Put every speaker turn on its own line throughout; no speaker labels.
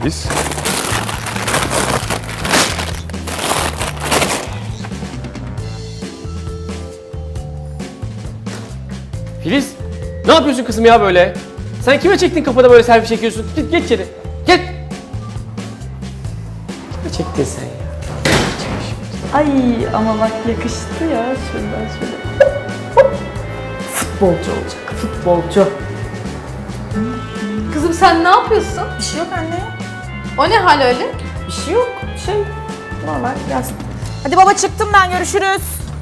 Filiz.
Filiz, ne yapıyorsun kızım ya böyle? Sen kime çektin kapıda böyle selfie çekiyorsun? Git geç içeri. Gel. Kime çektin sen ya?
Ay ama bak yakıştı ya şuradan şöyle. Futbolcu olacak, futbolcu.
Kızım sen ne yapıyorsun?
Bir şey yok anne.
O ne hal öyle?
Bir şey yok. Normal yaz. Hadi baba çıktım ben, görüşürüz.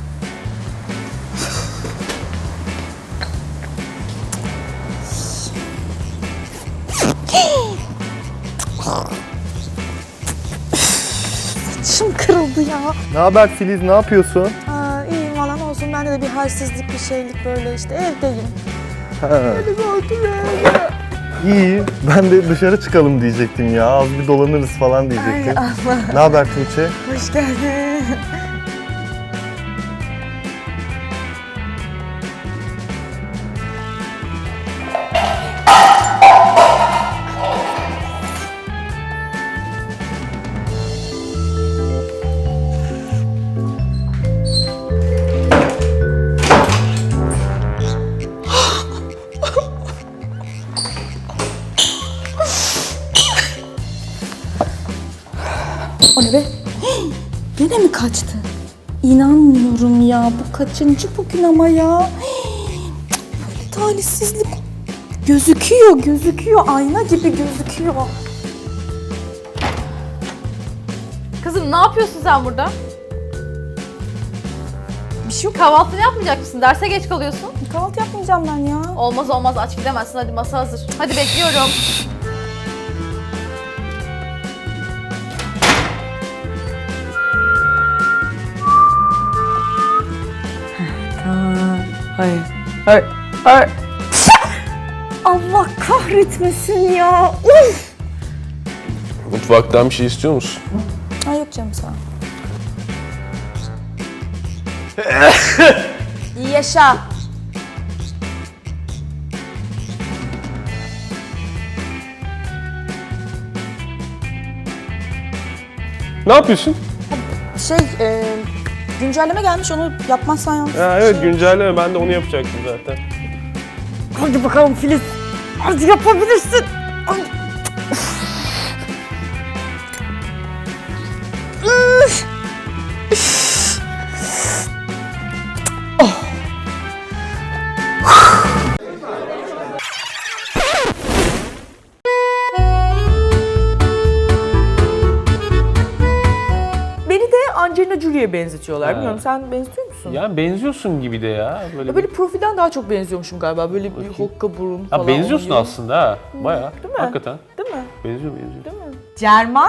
Saçım kırıldı ya.
Ne haber Filiz, ne yapıyorsun?
İyiyim valla, ne olsun, bende de bir halsizlik, bir şeylik böyle işte evdeyim.
İyi, ben de dışarı çıkalım diyecektim ya. Az bir dolanırız falan diyecektim.
Allah.
Ne haber Tuğçe?
Hoş geldin. O ne be? Gene mi kaçtı? İnanmıyorum ya. Bu kaçıncı bugün ama ya? Böyle talihsizlik. Gözüküyor. Ayna gibi gözüküyor.
Kızım ne yapıyorsun sen burada?
Bir şey yok.
Kahvaltını yapmayacak mısın? Derse geç kalıyorsun.
Kahvaltı yapmayacağım ben ya.
Olmaz aç gidemezsin. Hadi masa hazır. Hadi bekliyorum.
Hayır. Allah kahretmesin ya. Uf.
Mutfaktan bir şey istiyor musun?
Ay yok canım, sağ ol. İyi yaşa.
Ne yapıyorsun?
Güncelleme gelmiş, onu yapmazsan yalnız.
Ya evet, güncelleme. Ben de onu yapacaktım zaten.
Hadi bakalım Filiz. Hadi yapabilirsin. Ay. Üf. Beni de Angelina Jolie'ye benzetiyorlar.
Ha.
Bilmiyorum, sen benziyor musun?
Ya benziyorsun gibi de ya.
Böyle profilden daha çok benziyormuşum galiba. Böyle bir
Bakayım.
hokka burun falan.
Ya benziyorsun
oluyor.
aslında ha. Bayağı.
Değil mi?
Hakikaten.
Değil mi?
Benziyor.
Değil mi? Cerman.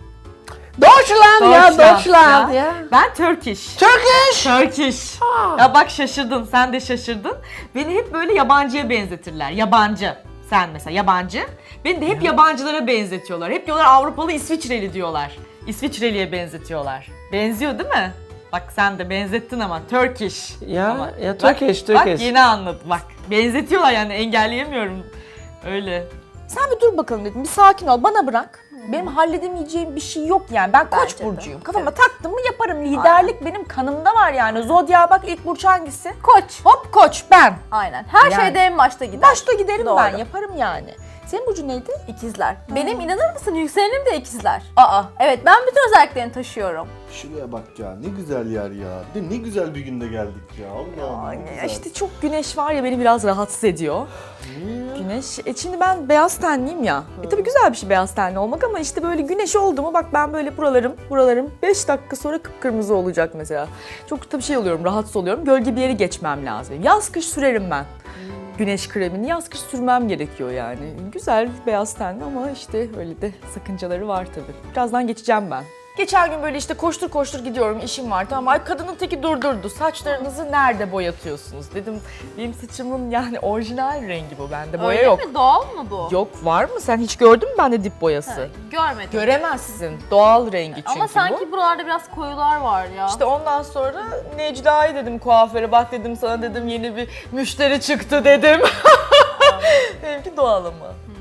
Deutschland
ya. Ben Turkish. Turkish. Ya bak şaşırdın, sen de şaşırdın. Beni hep böyle yabancıya benzetirler. Yabancı. Sen mesela yabancı. Beni de hep yabancılara benzetiyorlar. Hep diyorlar Avrupalı, İsviçreli diyorlar. İsviçreliye benzetiyorlar. Benziyor değil mi? Bak sen de benzettin ama Turkish.
Ya,
Ama
ya
bak-
Turkish.
Bak yeni anladım bak. Benzetiyorlar yani, engelleyemiyorum. Öyle. Sen bir dur bakalım dedim. Bir sakin ol. Bana bırak. Benim halledemeyeceğim bir şey yok yani. Ben Koç
Bence de.
burcuyum. Kafama taktım mı yaparım. Liderlik benim kanımda var yani. Zodya bak, ilk burç hangisi?
Koç.
Hop Koç ben.
Aynen. Her
Yani.
şeyde en başta gider.
Başta giderim
Doğru.
ben. Yaparım yani. Senin burcun neydi?
İkizler. Benim inanır mısın yükselenim de ikizler. Aa. Evet, ben bütün özelliklerini taşıyorum.
Şuraya bak ya, ne güzel yer ya. De ne güzel bir günde geldik ya. Allah ne güzel.
İşte çok güneş var ya, beni biraz rahatsız ediyor. Güneş. Şimdi ben beyaz tenliyim ya. Tabii güzel bir şey beyaz tenli olmak ama işte böyle güneş oldu mu bak ben böyle buralarım 5 dakika sonra kıpkırmızı olacak mesela. Çok tabii şey oluyorum, rahatsız oluyorum. Gölge bir yere geçmem lazım. Yaz kış sürerim ben. Güneş kremini yaz kış sürmem gerekiyor yani. Güzel beyaz tenli ama işte öyle de sakıncaları var tabii. Birazdan geçeceğim ben. Geçen gün böyle işte koştur gidiyorum, işim var, tamam. Ay kadının teki durdurdu. Saçlarınızı nerede boyatıyorsunuz? Dedim benim saçımın yani orijinal rengi bu, bende boya
Öyle
yok.
mi? Doğal mı bu?
Yok, var mı? Sen hiç gördün mü bende dip boyası?
Görmedim.
Göremezsin. Doğal rengi çünkü
Ama sanki
bu.
buralarda biraz koyular var ya.
İşte ondan sonra Necla'yı dedim kuaföre, bak dedim sana dedim yeni bir müşteri çıktı dedim. Benimki doğal ama.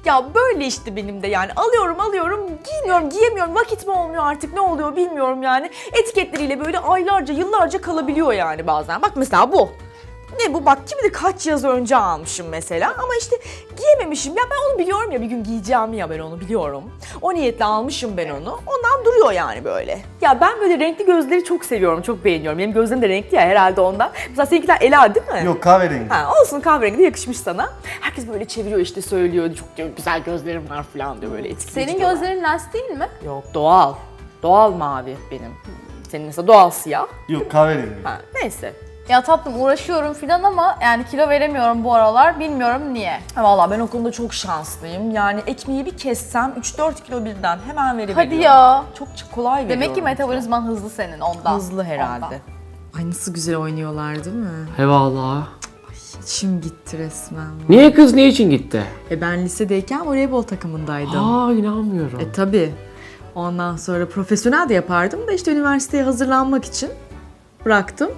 Ya böyle işte benim de yani alıyorum, giymiyorum, giyemiyorum, vakit mi olmuyor artık ne oluyor bilmiyorum yani. Etiketleriyle böyle aylarca, yıllarca kalabiliyor yani bazen. Bak mesela bu. Ne bu? Bak kim bilir kaç yaz önce almışım mesela ama işte giyememişim. Ya ben onu biliyorum ya bir gün giyeceğim ya ben onu biliyorum. O niyetle almışım ben onu. Ondan duruyor yani böyle. Ya ben böyle renkli gözleri çok seviyorum, çok beğeniyorum. Benim gözlerim de renkli ya herhalde ondan. Mesela seninkiler Ela değil mi?
Yok, kahverengi.
Ha, olsun kahverengi de yakışmış sana. Herkes böyle çeviriyor işte söylüyor. Çok diyor, güzel gözlerim var falan diyor böyle etkileyici.
Senin gözlerin lens değil mi?
Yok doğal. Doğal mavi benim. Senin mesela doğal siyah.
Yok, kahverengi.
Ha, neyse.
Ya tatlım uğraşıyorum filan ama yani kilo veremiyorum bu aralar. Bilmiyorum niye.
Ha, vallahi ben o konuda çok şanslıyım. Yani ekmeği bir kessem 3-4 kilo birden hemen verebiliyorum.
Hadi ya.
Çok kolay veriyorum.
Demek ki metabolizman hızlı senin ondan.
hızlı herhalde.
Ondan.
Ay nasıl güzel oynuyorlar değil mi?
Eyvallah.
İçim gitti resmen.
Niye kız ne için gitti?
Ben lisedeyken voleybol takımındaydım.
Aa inanmıyorum.
Tabii. Ondan sonra profesyonel de yapardım da işte üniversiteye hazırlanmak için bıraktım.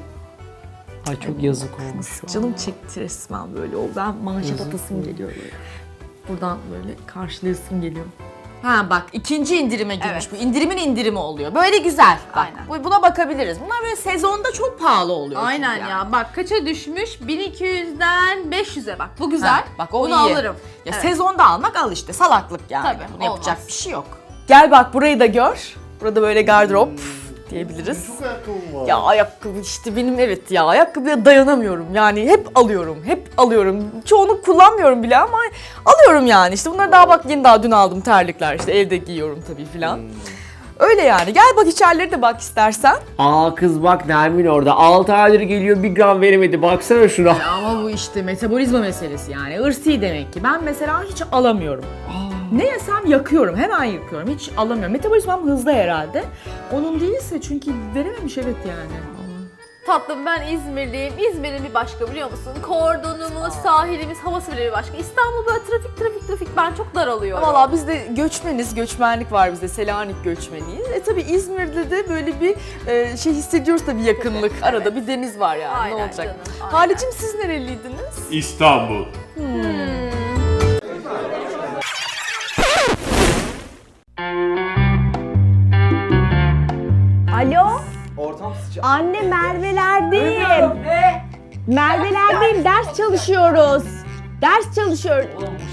Ay çok yazık olmuş.
Canım çekti resmen böyle. O ben manşet atasım geliyor böyle. Buradan böyle karşılayasım geliyor. Ha bak ikinci indirime girmiş
Evet.
bu. İndirimin indirimi oluyor. Böyle güzel. Bak,
Aynen.
buna bakabiliriz. Bunlar böyle sezonda çok pahalı oluyor.
Aynen
çünkü
ya.
yani.
Bak kaça düşmüş? 1200'den 500'e bak. Bu güzel.
Ha, bak o
Bunu
iyi.
alırım.
Ya
Evet.
sezonda almak al işte. Salaklık yani.
Tabii,
Bunu yapacak
olmaz.
bir şey yok. Gel bak burayı da gör. Burada böyle gardırop diyebiliriz.
Çok ayakkabım var.
Ya ayakkabı işte benim evet ya ayakkabıya dayanamıyorum yani hep alıyorum. Çoğunu kullanmıyorum bile ama alıyorum yani işte bunları daha bak yeni daha dün aldım terlikler işte evde giyiyorum tabii filan. Öyle yani gel bak içerileri de bak istersen.
Aa kız bak Nermin orada 6 aydır geliyor 1 gram veremedi baksana şuna.
Ama bu işte metabolizma meselesi yani ırsi demek ki ben mesela hiç alamıyorum. Ne yesem yakıyorum hemen yakıyorum hiç alamıyorum. Metabolizmam hızlı herhalde. Onun değilse çünkü verememiş evet yani.
Tatlım ben İzmirliyim. İzmir'in bir başka biliyor musun? Kordonumuz, sahilimiz, havası bile bir başka. İstanbul böyle trafik ben çok daralıyorum.
Valla biz de göçmeniz, göçmenlik var bizde, Selanik göçmeniyiz. Tabii İzmir'de de böyle bir şey hissediyoruz tabii yakınlık. Arada bir deniz var yani
Aynen
ne olacak.
canım, aynen.
Halicim siz nereliydiniz?
İstanbul.
Alo? Anne Merve'lerdeyim. Merve'lerdeyim. Ders çalışıyoruz. Ders çalışıyoruz.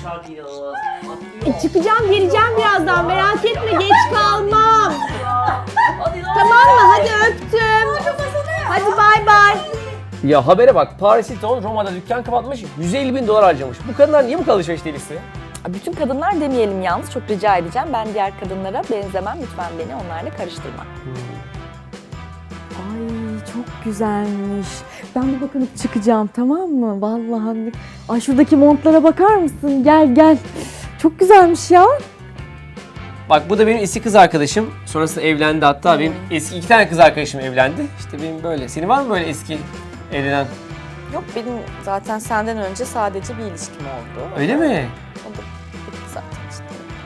Çıkacağım geleceğim birazdan. Merak etme geç kalmam. Tamam mı? Hadi öptüm. Hadi bay bay.
Ya habere bak Paris Hilton Roma'da dükkan kapatmış 150.000 dolar harcamış. Bu kadınlar niye bu kadar alışveriş delisi?
Bütün kadınlar demeyelim yalnız, çok rica edeceğim. Ben diğer kadınlara benzemem, lütfen beni onlarla karıştırma. Ay çok güzelmiş. Ben bir bakınıp çıkacağım, tamam mı? Vallahi. Ay şuradaki montlara bakar mısın? Gel gel. Çok güzelmiş ya.
Bak bu da benim eski kız arkadaşım. Sonrasında evlendi hatta benim eski 2 tane kız arkadaşım evlendi. İşte benim böyle. Senin var mı böyle eski evlenen?
Yok benim zaten senden önce sadece bir ilişkim oldu.
Öyle mi?
O da bitti zaten işte.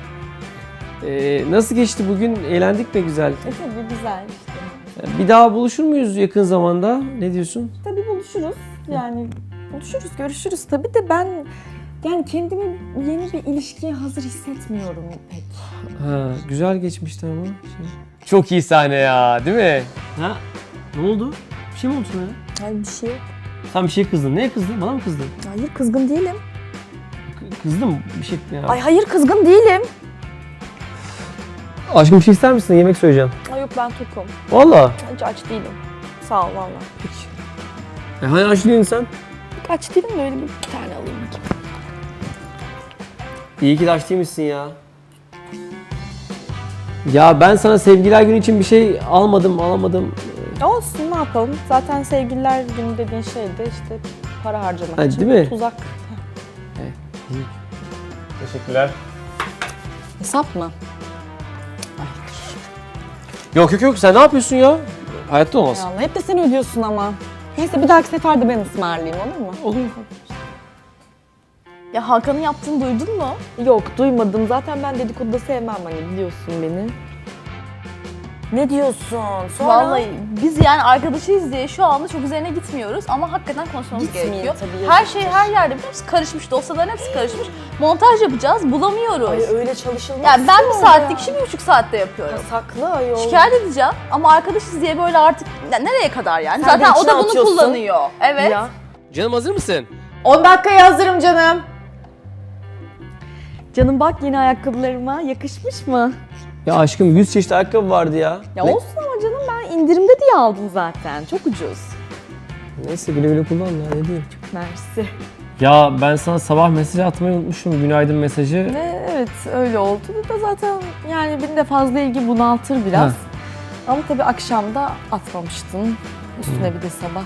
Nasıl geçti bugün? Eğlendik mi güzel?
Tabii güzel işte.
Bir daha buluşur muyuz yakın zamanda? Ne diyorsun?
Tabii buluşuruz. Yani buluşuruz, görüşürüz tabii de ben yani kendimi yeni bir ilişkiye hazır hissetmiyorum pek.
Ha, güzel geçmişti ama. Çok iyi sahne ya, değil mi? Ha? Ne oldu? Bir şey mi oldu sana ya?
Hayır bir şey yok.
Sen bir şey kızdın. Neye kızdın? Bana mı kızdın?
Hayır kızgın değilim.
Kızdım bir şey ya.
Ay hayır kızgın değilim.
Aşkım bir şey ister misin? Yemek söyleyeceğim.
Ay yok ben tokum.
Valla.
Hiç aç değilim. Sağ ol valla.
Hani aç değilsin sen?
Aç değilim de öyle bir tane alayım bakayım.
İyi ki de aç değilmişsin ya. Ya ben sana sevgililer günü için bir şey alamadım.
Olsun ne yapalım. Zaten sevgililer günü dediğin şey de işte para harcamak
Ha,
için
değil mi?
tuzak.
Teşekkürler.
Hesap mı?
Yok sen ne yapıyorsun ya? Hayatta olmaz.
Ya Allah, hep de sen ödüyorsun ama. Neyse bir dahaki sefer de ben ısmarlayayım olur mu?
Olur.
Ya Hakan'ın yaptığını duydun mu? Yok duymadım. Zaten ben dedikodu da sevmem hani biliyorsun beni.
Ne diyorsun? Sonra?
Vallahi biz yani arkadaşıyız diye şu anda çok üzerine gitmiyoruz ama hakikaten konuşmamız
Gitmeyin
gerekiyor.
tabii,
Her
yazık.
şey her yerde biliyor musun? Karışmış, dosyaların hepsi karışmış. Montaj yapacağız, bulamıyoruz.
Ay öyle çalışılmaz.
Yani ben bir
ki
saatlik
ya.
işi 1,5 saatte yapıyorum.
Saklı ayol.
Şikayet edeceğim ama arkadaşız diye böyle artık nereye kadar yani?
Sen de
Zaten o
içine
da bunu
atıyorsun.
kullanıyor. Evet.
Ya.
Canım hazır mısın?
10 dakikaya hazırım canım. Canım bak yeni ayakkabılarıma yakışmış mı?
Ya aşkım 100 çeşit ayakkabı vardı ya.
Ya olsun ama canım ben indirimde diye aldım zaten. Çok ucuz.
Neyse güle güle kullan ya ne diyeyim.
Mersi.
Ya ben sana sabah mesaj atmayı unutmuşum. Günaydın mesajı.
Evet öyle oldu da zaten yani beni de fazla ilgi bunaltır biraz.
Ha.
Ama tabii akşamda atmamıştın. Üstüne bir de sabah.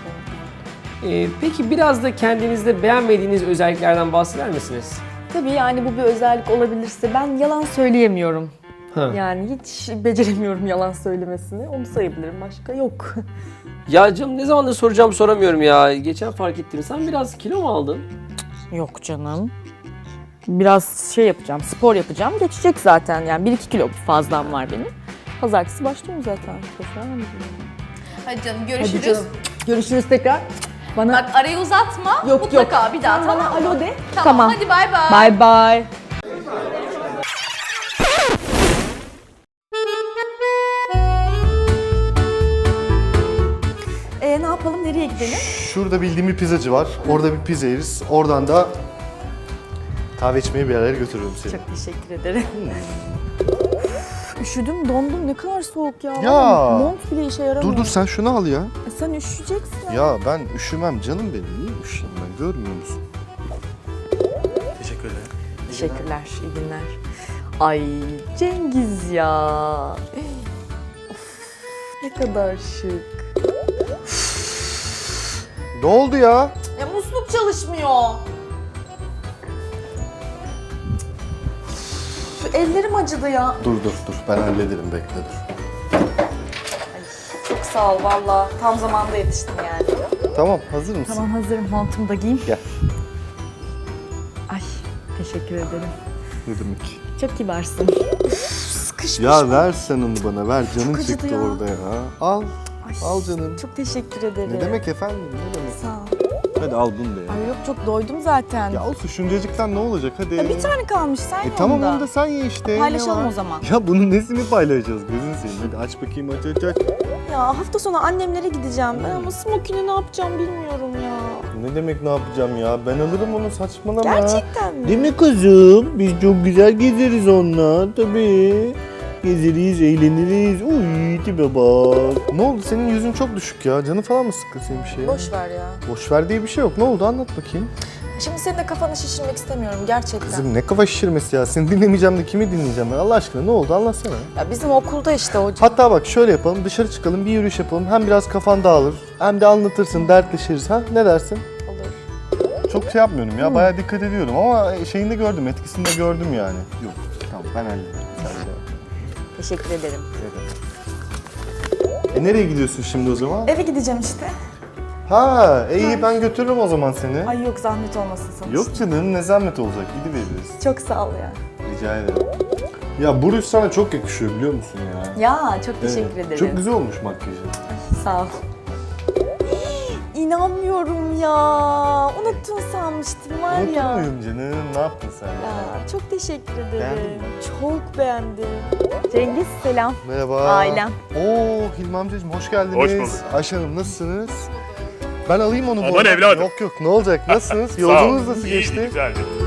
Peki biraz da kendinizde beğenmediğiniz özelliklerden bahseder misiniz?
Tabii yani bu bir özellik olabilirse ben yalan söyleyemiyorum.
Ha.
Yani hiç beceremiyorum yalan söylemesini. Onu sayabilirim. Başka yok.
Ya canım ne zamandır soracağım soramıyorum ya. Geçen fark ettim. Sen biraz kilo mu aldın?
Yok canım. Biraz şey yapacağım, spor yapacağım. Geçecek zaten yani 1-2 kilo fazlam var benim. Pazartesi başlıyorum zaten.
Hadi canım
Hadi
görüşürüz.
canım. Görüşürüz tekrar. Bana
Bak arayı uzatma.
Yok,
Mutlaka bir daha
Sen
tamam
bana
mı?
alo de.
Tamam. Hadi bay bay.
Bye bye. Ne yapalım? Nereye gidelim?
Şurada bildiğim bir pizzacı var. Orada bir pizza yeriz. Oradan da kahve içmeye bir yerlere götürürüm seni.
Çok teşekkür ederim. Üşüdüm, dondum. Ne kadar soğuk ya.
Ya.
Mont bile işe yaramıyor.
Dur sen şunu al ya.
Sen üşüyeceksin.
Ya ben üşümem canım benim. Niye üşüyeyim ben, görmüyor musun? Teşekkür ederim.
Teşekkürler, iyi günler. Ay Cengiz ya. Of, ne kadar şık.
Ne oldu ya?
Ya musluk çalışmıyor. Ellerim acıdı ya.
Dur ben hallederim, bekle dur.
Çok sağ ol valla. Tam zamanda yetiştim yani.
Tamam, hazır mısın?
Tamam hazırım. Montumu da giyeyim.
Gel.
Ay teşekkür ederim.
Ne demek?
Çok kibarsın. Sıkışmış.
Ya ver sen onu bana, ver. Canın
acıdı
çıktı
ya.
orada ya. Al,
Ay,
al canım.
Çok teşekkür ederim.
Ne demek efendim, ne demek?
Sağ ol.
Hadi al bunu da ya.
Ay yok çok doydum zaten.
Ya olsun, şuncacıktan ne olacak hadi.
Ya bir tane kalmış sen ye
Tamam
onu
onu da sen ye işte.
Paylaşalım
ne var?
o zaman.
Ya bunun nesini paylaşacağız gözün seveyim. Hadi aç bakayım, aç.
Ya hafta sonu annemlere gideceğim ben ama smokini ne yapacağım bilmiyorum ya.
Ne demek ne yapacağım ya? Ben alırım onu, saçmalama.
Gerçekten mi?
Değil mi kızım? Biz çok güzel gezeriz onunla tabii. Gezeriz, eğleniriz. Uy tipe bak. Ne oldu? Senin yüzün çok düşük ya. Canın falan mı sıkkın senin bir şeye?
Boş ver ya.
Boş ver diye bir şey yok. Ne oldu? Anlat bakayım.
Şimdi senin de kafanı şişirmek istemiyorum gerçekten.
Kızım ne kafa şişirmesi ya. Seni dinlemeyeceğim de kimi dinleyeceğim ben? Allah aşkına ne oldu? Anlatsana.
Ya bizim okulda işte hocam.
Hatta bak şöyle yapalım. Dışarı çıkalım, bir yürüyüş yapalım. Hem biraz kafan dağılır. Hem de anlatırsın, dertleşiriz. Ha? Ne dersin?
Olur.
Çok şey yapmıyorum ya. Bayağı dikkat ediyorum ama şeyini de gördüm. Etkisini de gördüm yani. Yok. Tamam ben hallederim. Sen de.
Teşekkür ederim.
Nereye gidiyorsun şimdi o zaman?
Eve gideceğim işte.
Ha, iyi ben götürürüm o zaman seni.
Ay yok zahmet olmasın sonuçta.
Yok canım, ne zahmet olacak, gidiveririz.
Çok sağ ol ya.
Rica ederim. Ya bu ruj sana çok yakışıyor biliyor musun ya?
Ya çok teşekkür
Evet,
ederim.
Çok güzel olmuş makyajın.
Sağ ol. İnanmıyorum ya. Unuttun sanmıştım var
Unutur
ya.
muyum canım? Ne yaptın sen ya?
Ya çok teşekkür ederim.
Beğendin mi?
Çok beğendim. Cengiz selam.
Merhaba.
Ailem.
Oo Hilmi amcacığım hoş geldiniz.
Hoş bulduk.
Ayşe Hanım nasılsınız? Ben alayım onu bu
Aman
arada.
evladım.
Yok ne olacak, nasılsınız?
Sağ ol.
Yolculuğunuz nasıl
İyiydi,
geçti?
güzeldi.